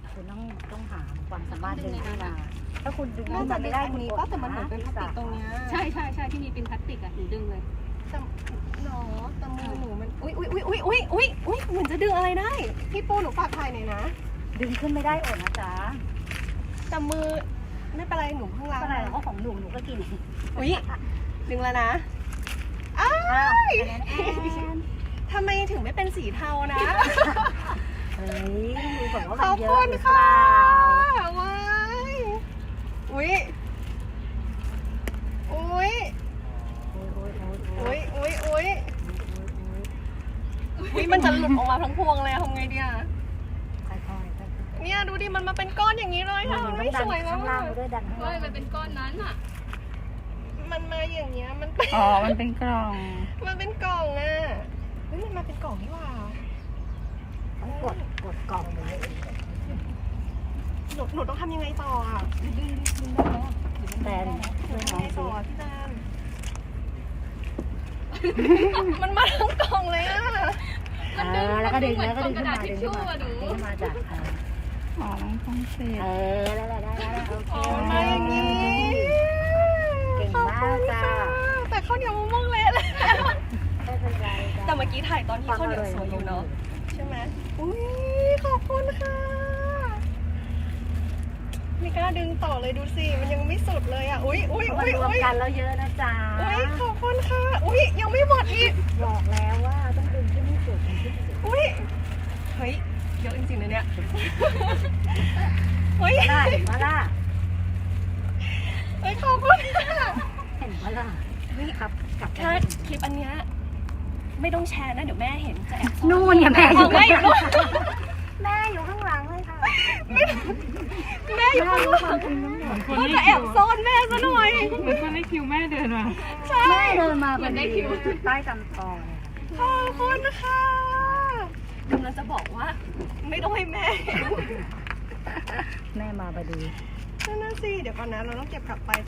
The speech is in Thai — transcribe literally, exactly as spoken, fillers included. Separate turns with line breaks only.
คุณต้องต้องหาความสามารถดึงขึ้นมาถ้าคุณดึง
น่าจะ
มัน
ดึ
ไม่
ง
ได้
อันนี้ก็แต่มันเหมือนเป็นพลาสติกตรงเนี้ย
ใช่ใช่ใช่ที่มีเป็นพลาสติกอะหนูดึงเลย
แต่หนอแต่มือหนูมันอุ้ยอุ้ยอุ้ยอุ้ยอุ้ยอุ้ยอุ้ยเหมือนจะดึงอะไรได้พี่ปูหนูฝากถ่ายหน่อยนะ
ดึงขึ้นไม่ได้อดนะจ๊ะ
แต่มือไม่เป็นไรหนูเพิ่งล้าง
ก็อะไรเราก็ของหนูหนูก็กิน
อุ้ยดึงแล้วนะอ้า
อ้าว
ว
แอนแอน
ทำไมถึงไม่เป็นสีเทานะ
เฮ้ยดูแบบว่า
ข
มัน
อบ
เย
คุ
อะ
ณ
หรือเป
ค่ะ
ล่า
ว้ายอุ้ยอุ้ย
โอ้ยโอ้ยโอ้ยโอ้
อุ้
ย
ยอุ้ยอุ้ยอุ้ยมันจะหลุดออกมาทั้งพวงเลยอะทำไงดีอะ
ค่อยๆค่อยๆ
เนี่ยดูดิมันมาเป็นก้อนอย่างนี้เลย
มั
ค่ะ
นต้อ
ไม่
งดั
ส
น
วยแล้ว
ข้างล่า
อะ
งไปด้วยดันข้าง
เฮ้
ล่าย ง
มันเป็นก้อนนั้นอะ
มันมาอย่างเงี้ยมันเป็น
อ๋อ มันเป็นกล่อง
มันเป็นกล่องอะเฮ้ยมันมาเป็นกล่องนี่หว่า
ต้องกดกดกล่องเลย
หนูหนูต้องทำยังไงต่ออะ
แตน
หนู
ช่วย
ทำ
น้องสิ
ยังไงต่อพี่แตนมันมาทั้งกล่องเลยอะ
มันดึง
เออแล้วก็ดึง
มัน
แล้วก็ดึง
ก
ขึ้
ระ
น
ดา
มา
ษทิ
ดึ
ช
ง
ชู่
ขึ้นมา
อะหนู
ดึงขึ้นมาจากเออ
อ๋อมันต้องเสร็จ
เออแล้วแล้วได้แล้วโอเค
อ๋อมันมาอย่างนี้
เก่ง
ขอบ
มา
คุ
ก
ณ
จ้า
ค่ะแต่ข้าวเหนียวมะม่วงเละเลย
ไม่เป็นไรจ้า
แต่เมื่อกี้ถ่ายตอนที่ข้าวเหนียวสวยอยู่เนาะใช่ไหมอุ้ยขอบคุณค่ะไม่กล้าดึงต่อเลยดูสิมันยังไม่สุดเลยอ่ะอุ้ยอุ้ย
มัน
อุ้ย
รวม
อุ้ย
กันแล้วเยอะนะจ๊ะ
อุ้ยขอบคุณค่ะอุ้ยยังไม่หมดอีก
บอกแล้วว่าต้องดึงที่นี่สุดถึงที่สุด
อุ้ยเฮ้ยเยอะจริงๆเลยเนี่ยเฮ้ย
ได้เห็นปะล่ะ
เฮ้ยขอบคุณค่ะ
เห็นปะล่ะเฮ้ยครับกลับไป
ถ้าคลิปอันเนี้ยไม่ต้องแชร์นะเดี๋ยวแม่เห็นจะแอบซ่อ
นู่นเนี่ยแม่อ
เอา
ยู่
แม่อยู่นู่น
แม่อยู่ข้างหลังเลยค่ะ
แม่อยู่ข้างหลังก็จะแอบซ่อนแม่ซะหน่อย
เหมือนคนในคิวแม่เดินมา
ใช่
แม่เดินมาพอดีใต้กำตอเลย
ขอบคุณค่ะกำลังจะบอกว่า ไม่ต้องให้แม่เห็น
แม่มาพอดี
นั่นน่ะสิเดี๋ยวก่อนนะเราต้องเก็บกลับไป